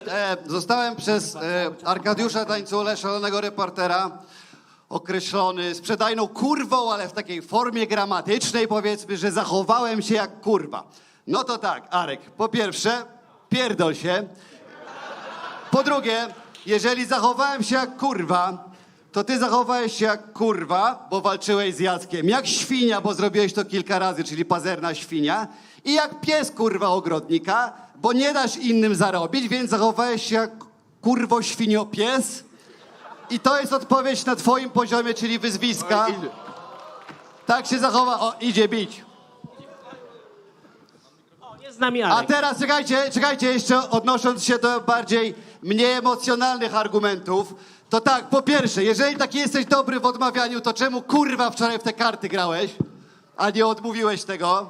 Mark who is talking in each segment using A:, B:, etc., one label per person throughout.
A: Zostałem przez Arkadiusza Tańculę, szalonego reportera, określony sprzedajną kurwą, ale w takiej formie gramatycznej, powiedzmy, że zachowałem się jak kurwa. No to tak, Arek, po pierwsze, pierdol się. Po drugie, jeżeli zachowałem się jak kurwa, to ty zachowałeś się jak kurwa, bo walczyłeś z Jackiem. Jak świnia, bo zrobiłeś to kilka razy, czyli pazerna świnia. I jak pies kurwa ogrodnika, bo nie dasz innym zarobić, więc zachowałeś się jak kurwo świnio pies. I to jest odpowiedź na twoim poziomie, czyli wyzwiska. Tak się zachowa. O, idzie bić.
B: Jest z nami
A: A
B: Arek.
A: teraz czekajcie jeszcze, odnosząc się do bardziej mniej emocjonalnych argumentów, to tak, po pierwsze, jeżeli taki jesteś dobry w odmawianiu, to czemu kurwa wczoraj w te karty grałeś, a nie odmówiłeś tego?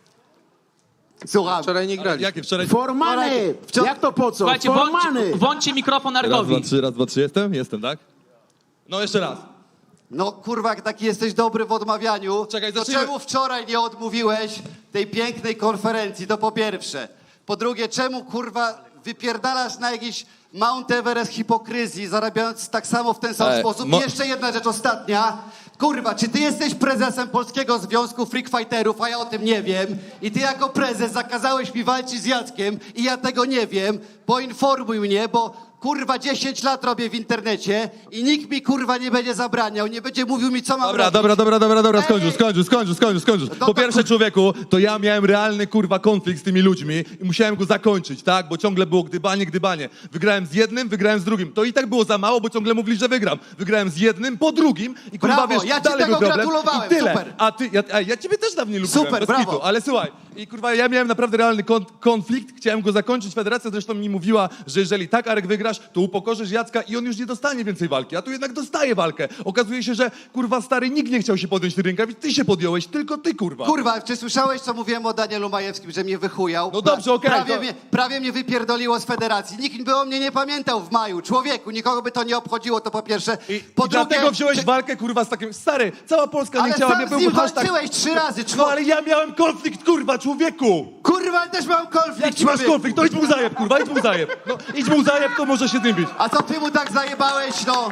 A: Słucham.
C: Wczoraj nie grali.
D: Jakie wczoraj?
E: Formany! Jak to po co?
F: Słuchajcie,
E: Formany!
F: włączcie mikrofon
D: Raz,
F: Argowi.
D: dwa, trzy, jestem? Jestem, tak? No jeszcze raz.
A: No kurwa, jak taki jesteś dobry w odmawianiu,
D: Czekaj,
A: to
D: zacznijmy.
A: czemu wczoraj nie odmówiłeś tej pięknej konferencji, to po pierwsze. Po drugie, czemu kurwa wypierdalasz na jakiś Mount Everest hipokryzji, zarabiając tak samo w ten sam sposób? I jeszcze jedna rzecz, ostatnia. Kurwa, czy ty jesteś prezesem Polskiego Związku Freak Fighterów, a ja o tym nie wiem, i ty jako prezes zakazałeś mi walczyć z Jackiem i ja tego nie wiem, poinformuj mnie, bo kurwa 10 lat robię w internecie i nikt mi kurwa nie będzie zabraniał, nie będzie mówił mi co mam robić.
D: Dobra,
A: Ej,
D: skończysz.
A: No
D: Po
A: to
D: pierwsze, człowieku, to ja miałem realny, kurwa, konflikt z tymi ludźmi i musiałem go zakończyć, tak? Bo ciągle było gdybanie. Wygrałem z jednym, wygrałem z drugim. To i tak było za mało, bo ciągle mówili, że wygram. Wygrałem z jednym, po drugim i kurwa,
A: Brawo,
D: wiesz,
A: ja ci
D: dalej
A: tego
D: był problem.
A: gratulowałem,
D: I tyle.
A: super.
D: A ty, ja ciebie też dawniej lubiłem.
A: Super,
D: bez
A: brawo.
D: kitu, ale słuchaj, i kurwa, ja miałem naprawdę realny konflikt, chciałem go zakończyć. Federacja zresztą mi mówiła, że jeżeli tak, Arek, wygrasz, to upokorzysz Jacka i on już nie dostanie więcej walki, a tu jednak dostaje walkę. Okazuje się, że kurwa stary, nikt nie chciał się podjąć tych rękawic, ty się podjąłeś, tylko ty, kurwa.
A: Kurwa, czy słyszałeś, co mówiłem o Danielu Majewskim, że mnie wychujał?
D: No dobrze, okej, to-
A: Prawie mnie wypierdoliło z federacji. Nikt by o mnie nie pamiętał w maju. Człowieku, nikogo by to nie obchodziło, to po pierwsze. Po
D: I dlatego wziąłeś walkę, kurwa, z takim... Stary, cała Polska nie
A: Ale
D: chciała,
A: sam
D: nie
A: z nim
D: był hashtag...
A: walczyłeś 3 razy,
D: No ale ja miałem konflikt, kurwa, człowieku!
A: Kurwa, też mam konflikt,
D: Jak ci masz
A: człowieku.
D: konflikt, to idź mu zajeb, kurwa, idź mu zajeb. No, idź mu zajeb, to może się tym bić.
A: A co ty mu tak zajebałeś, no?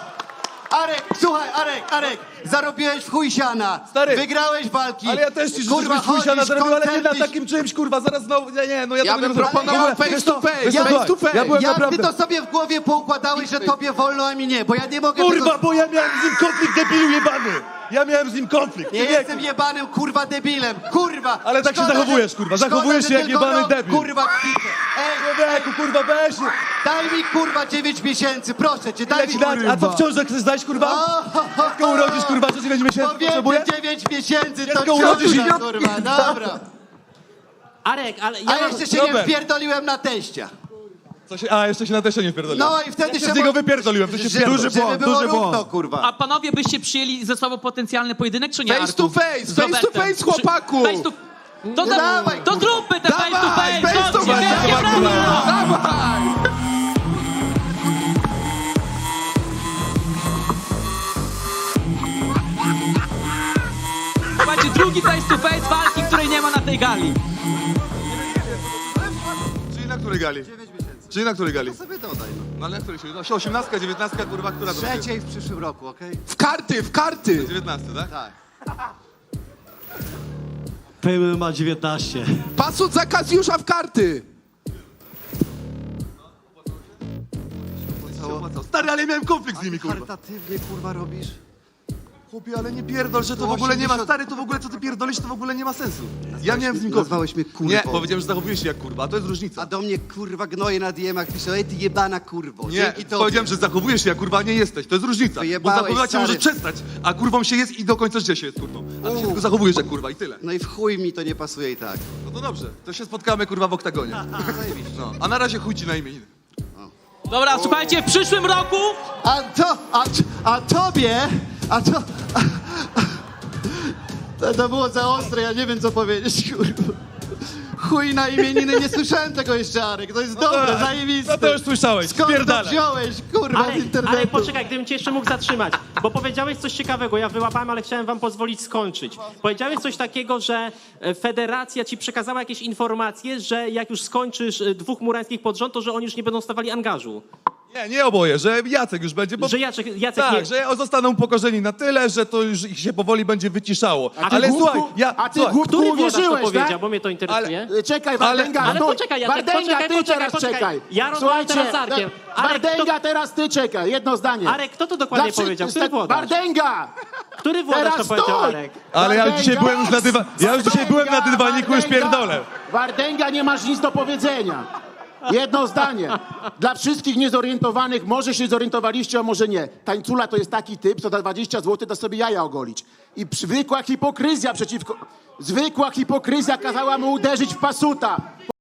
A: Arek, słuchaj, Arek, zarobiłeś w chuj siana.
D: Stary,
A: Wygrałeś walki.
D: Ale ja też ci życzę, żebyś
A: chodzisz,
D: chuj na zarobił, ale nie na
A: koncerty-
D: takim czymś, kurwa, zaraz znowu... Nie, no ja
C: Ja
D: tego
C: bym
D: nie
C: proponował
D: w ogóle-
C: face
D: wiesz
C: to
D: co,
C: face,
D: wiesz co,
C: face
D: słuchaj,
C: to face.
D: Ja byłem
A: Ty
D: naprawdę...
A: to sobie w głowie poukładałeś, że tobie wolno, a mi nie, bo ja nie mogę
D: Kurwa,
A: tego...
D: bo ja miałem z nim konflikt, debilu jebany! Ja miałem z nim konflikt,
A: Nie
D: człowieku.
A: jestem jebanym, kurwa, debilem, kurwa!
D: Ale tak się
A: Szkoda,
D: zachowujesz,
A: że-
D: kurwa,
A: szkoda,
D: zachowujesz
A: że
D: się jak
A: tylko
D: jebany
A: rok,
D: debil.
A: Kurwa, kwitę. Ej,
D: Człowieku, kurwa, weź!
A: daj mi, kurwa, 9 miesięcy, proszę cię, daj
D: Ile
A: mi,
D: ci dać? A co w ciąży chcesz dać, kurwa? Dziecko urodzisz, kurwa, co 9 miesięcy potrzebuje?
A: Powiedzmy 9 miesięcy, to
D: Dziecko urodzisz i-
A: ciągle, kurwa, dobra.
B: Arek, ale ja
A: A
B: mam...
A: jeszcze się nie
D: Robert.
A: wpierdoliłem na teścia.
D: Jeszcze się na teście nie wpierdoliłem.
A: No i wtedy
D: Ja się z niego wypierdoliłem, to się wpierdol.
A: żeby było
E: duży błąd.
A: równo, kurwa.
F: A panowie byście przyjęli ze sobą potencjalny pojedynek, czy nie,
C: Face
F: Arku?
C: to face,
F: Z
C: face to
F: Robertem.
C: face, chłopaku!
F: Face to... To,
A: Dawaj,
F: to
A: kurwa.
F: zróbmy te face to
C: Dawaj,
F: face!
C: face to
F: Chodźcie,
C: face,
F: wielkie
C: dawaj,
F: brawa!
C: Dawaj!
F: Słuchajcie, drugi face to face walki, której nie ma na tej gali.
D: Czyli na której gali? Czyli na której gali?
A: Sobie dodaj, no.
D: No ale na której się... No, 18, 19, kurwa, która to będzie?
A: Trzeciej w przyszłym roku, okej?
C: W karty!
D: 19, tak?
A: Tak.
E: Pejmy ma 19.
C: Pasut za Kazjusza w karty!
D: Stary, ale miałem konflikt z nimi, kurwa.
A: Charytatywnie, kurwa, robisz?
D: Chłopie, ale nie pierdol, że to w ogóle nie ma... Stary, to w ogóle, co ty pierdolisz, to w ogóle nie ma sensu. Ja miałem z nim konflikt.
A: Nazwałeś mnie kurwą.
D: Nie, powiedziałem, że zachowujesz się jak kurwa, a to jest różnica.
A: A do mnie, kurwa, gnoje na DM-ach pisze, ej, ty jebana kurwo.
D: Nie,
A: Dzięki tobie.
D: powiedziałem, że zachowujesz się jak kurwa nie jesteś, to jest różnica. Bo
A: Wyjebałeś,
D: zachowywać się
A: stary.
D: możesz przestać, a kurwą się jest i do końca życia się jest kurwą. A ty się tylko zachowujesz jak kurwa i tyle.
A: No i w chuj mi to nie pasuje i tak.
D: No to dobrze, to się spotkamy kurwa w oktagonie. No, a na razie chuj ci na imieniny.
F: Dobra, słuchajcie, w przyszłym roku...
A: A tobie, to było za ostre, ja nie wiem co powiedzieć, kurwa. Chuj na imieniny, nie słyszałem tego jeszcze, Arek. To jest dobre, zajebiste.
D: No to już słyszałeś,
A: Skąd to
D: spierdalaj.
A: wziąłeś, kurwa, z
B: Arek,
A: internetu?
B: Arek, poczekaj, gdybym cię jeszcze mógł zatrzymać, bo powiedziałeś coś ciekawego, ja wyłapałem, ale chciałem wam pozwolić skończyć. Powiedziałeś coś takiego, że federacja ci przekazała jakieś informacje, że jak już skończysz dwóch murańskich pod rząd, to że oni już nie będą stawali angażu.
D: Nie oboje, że Jacek już będzie... Bo...
B: Że Jacek
D: Tak,
B: nie...
D: że zostaną upokorzeni na tyle, że to już ich się powoli będzie wyciszało.
E: ty,
D: Ale
E: głupku,
D: słuchaj,
E: a ty,
D: słuchaj,
E: głupku,
B: Który włodarz to
E: uwierzyłeś,
B: powiedział,
E: tak?
B: bo mnie to interesuje?
E: Czekaj, Wardęga,
B: Ale
E: stój.
B: poczekaj, Jacek,
E: Wardęga, ty
B: poczekaj,
E: teraz
B: poczekaj.
E: czekaj.
B: Ja rozmawiam teraz z Arkiem. Arek,
E: Wardęga,
B: kto-
E: teraz ty czekaj, jedno zdanie.
B: Arek, kto to dokładnie powiedział? Który włodarz?
E: Wardęga!
B: Który włodarz to
E: Teraz
B: powiedział,
E: stój!
B: Arek?
D: Ale ja dzisiaj byłem już na ja już dzisiaj byłem na dywaniku, już
E: Wardęga,
D: pierdolę.
E: Wardęga, nie masz nic do powiedzenia. Jedno zdanie. Dla wszystkich niezorientowanych, może się zorientowaliście, a może nie. Tańcula to jest taki typ, co za 20 zł da sobie jaja ogolić. I zwykła hipokryzja kazała mu uderzyć w pasuta.